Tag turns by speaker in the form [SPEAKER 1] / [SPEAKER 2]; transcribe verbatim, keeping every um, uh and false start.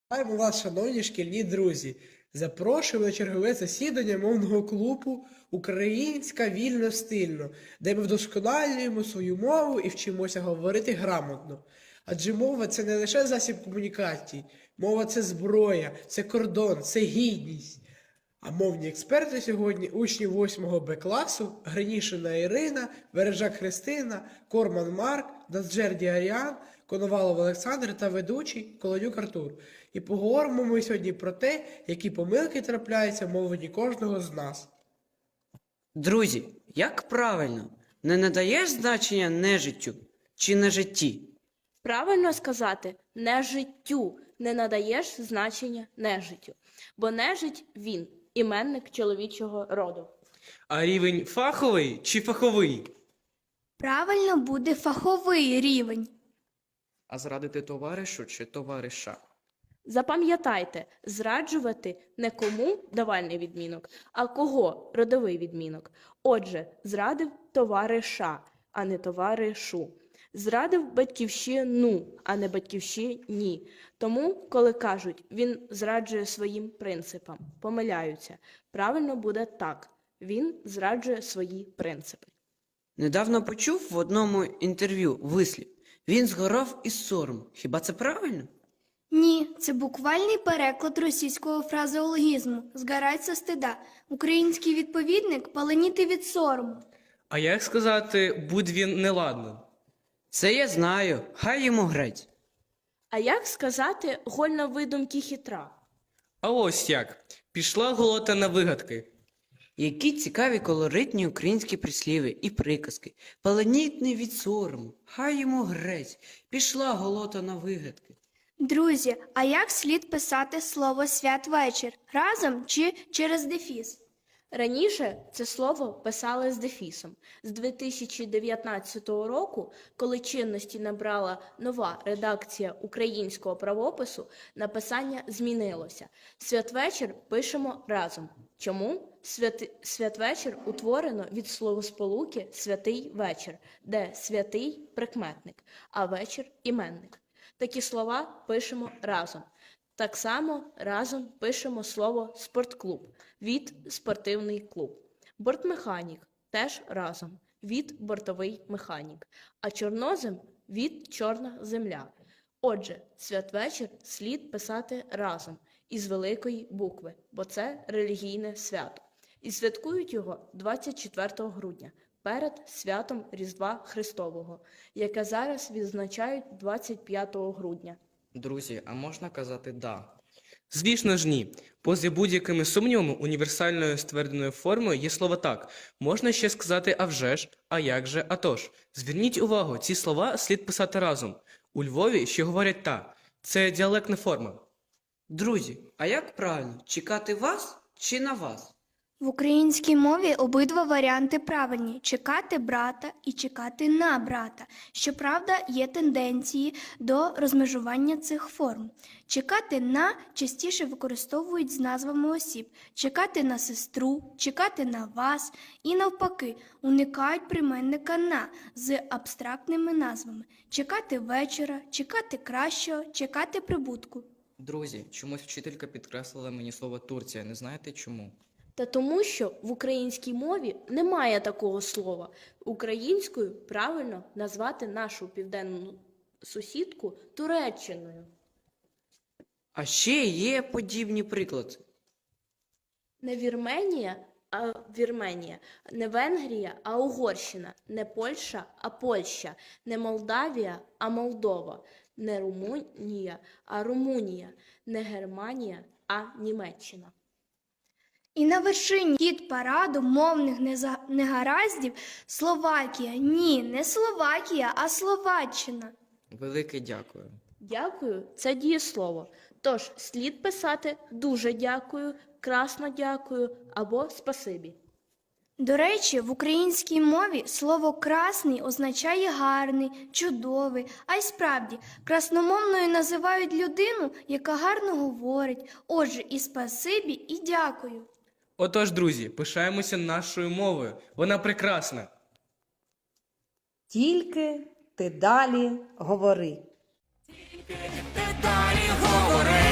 [SPEAKER 1] Вітаємо вас, шановні шкільні друзі! Запрошуємо на чергове засідання мовного клубу «Українська вільно-стильно», де ми вдосконалюємо свою мову і вчимося говорити грамотно. Адже мова – це не лише засіб комунікації, мова – це зброя, це кордон, це гідність. А мовні експерти сьогодні – учні восьмого Б класу, Гринішина Ірина, Бережак Христина, Корман Марк, Назджерді Аріан, Коновалов Олександр та ведучий Колодюк Артур. І поговоримо ми сьогодні про те, які помилки трапляються в мовленні кожного з нас.
[SPEAKER 2] Друзі, як правильно? Не надаєш значення нежиттю чи нежитті?
[SPEAKER 3] Правильно сказати «не життю», не надаєш значення нежиттю. Бо нежить – він, іменник чоловічого роду.
[SPEAKER 4] А рівень фаховий чи фаховий?
[SPEAKER 5] Правильно буде фаховий рівень.
[SPEAKER 6] А зрадити товаришу чи товариша?
[SPEAKER 3] Запам'ятайте, зраджувати не кому – давальний відмінок, а кого – родовий відмінок. Отже, зрадив товариша, а не товаришу. Зрадив батьківщину, а не батьківщині. Тому, коли кажуть, він зраджує своїм принципам, помиляються. Правильно буде так. Він зраджує свої принципи.
[SPEAKER 2] Недавно почув в одному інтерв'ю вислів «він згорав із сорому». Хіба це правильно?
[SPEAKER 5] Ні, це буквальний переклад російського фразеологізму «згорать со стида». Український відповідник «паленіти від сорому».
[SPEAKER 4] А як сказати «будь він неладним»?
[SPEAKER 2] Це я знаю, хай йому грець.
[SPEAKER 3] А як сказати «гольна видумки хитра»?
[SPEAKER 4] А ось як. Пішла голота на вигадки.
[SPEAKER 2] Які цікаві колоритні українські прислів'я і приказки. Паленітний від сорому, хай йому грець, пішла голота на вигадки.
[SPEAKER 5] Друзі, а як слід писати слово «святвечір»? Разом чи через дефіс?
[SPEAKER 3] Раніше це слово писали з дефісом. З дві тисячі дев'ятнадцятого року, коли чинності набрала нова редакція українського правопису, написання змінилося. Святвечір пишемо разом. Чому? Святи... Святвечір утворено від словосполуки «святий вечір», де «святий» – прикметник, а «вечір» – іменник. Такі слова пишемо разом. Так само разом пишемо слово «спортклуб» від «спортивний клуб». Бортмеханік теж разом від «бортовий механік», а чорнозем від «чорна земля». Отже, святвечір слід писати разом із великої букви, бо це релігійне свято. І святкують його двадцять четвертого грудня, перед святом Різдва Христового, яке зараз відзначають двадцять п'ятого грудня.
[SPEAKER 6] Друзі, а можна казати «да»?
[SPEAKER 4] Звісно ж ні. Поза будь-якими сумнівами універсальною ствердженою формою є слово «так». Можна ще сказати «а вже ж», «а як же», «а тож». Зверніть увагу, ці слова слід писати разом. У Львові ще говорять «та». Це діалектна форма.
[SPEAKER 2] Друзі, а як правильно, чекати вас чи на вас?
[SPEAKER 5] В українській мові обидва варіанти правильні – чекати брата і чекати на брата. Щоправда, є тенденції до розмежування цих форм. Чекати на частіше використовують з назвами осіб. Чекати на сестру, чекати на вас і навпаки, уникають прийменника на з абстрактними назвами. Чекати вечора, чекати кращого, чекати прибутку.
[SPEAKER 6] Друзі, чомусь вчителька підкреслила мені слово «Турція». Не знаєте чому?
[SPEAKER 3] Та тому, що в українській мові немає такого слова. Українською правильно назвати нашу південну сусідку Туреччиною.
[SPEAKER 2] А ще є подібні приклади.
[SPEAKER 3] Не Вірменія, а Вірменія. Не Венгрія, а Угорщина. Не Польща, а Польща. Не Молдавія, а Молдова. Не Румунія, а Румунія. Не Германія, а Німеччина.
[SPEAKER 5] І на вершині хіт-параду мовних неза- негараздів Словакія. Ні, не Словакія, а Словаччина.
[SPEAKER 6] Велике дякую.
[SPEAKER 3] Дякую – це дієслово. Тож слід писати «дуже дякую», «красно дякую» або «спасибі».
[SPEAKER 5] До речі, в українській мові слово «красний» означає «гарний», «чудовий», а й справді, красномовною називають людину, яка гарно говорить. Отже, і спасибі, і дякую.
[SPEAKER 4] Отож, друзі, пишаємося нашою мовою. Вона прекрасна.
[SPEAKER 7] Тільки ти далі говори.
[SPEAKER 8] Ти далі говори.